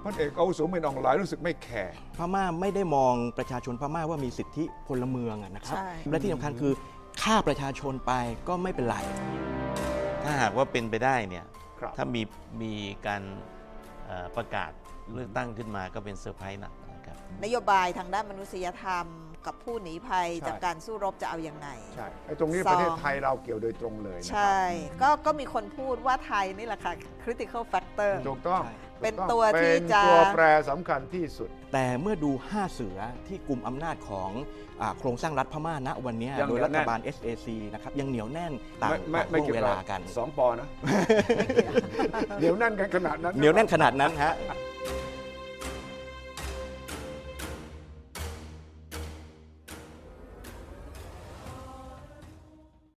พลเอกอาวุโสมินอองหลายรู้สึกไม่แคร์พม่าไม่ได้มองประชาชนพม่าว่ามีสิทธิพลเมืองนะครับใช่และที่สำคัญคือฆ่าประชาชนไปก็ไม่เป็นไรถ้าหากว่าเป็นไปได้เนี่ยครับถ้ามีการประกาศเลือกตั้งขึ้นมาก็เป็นเซอร์ไพรส์นะครับนโยบายทางด้านมนุษยธรรม กับผู้หนีภัยใช่จากการสู้รบจะเอาอย่างไงใช่ไอ้ตรงนี้สองประเทศไทยเราเกี่ยวโดยตรงเลยนะคใช่ ก็มีคนพูดว่าไทยนี่แหละค่ะ critical factor ถูกต้องใช่เป็นตัวที่จะเป็นตัวแปรสำคัญที่สุดแต่เมื่อดู 5 เสือที่กลุ่มอำนาจของโครงสร้างรัฐพม่าณวันนี้ยังโดยเหนียวรัฐบาลแน่น SAC นะครับยังเหนียวแน่นต่างไม่ห่วงเกี่ยวเวกับลากัน 2 ปอนะ เดี๋ยวนั่นกันขนาดนั้นเหนียวแน่นขนาดนั้นฮะ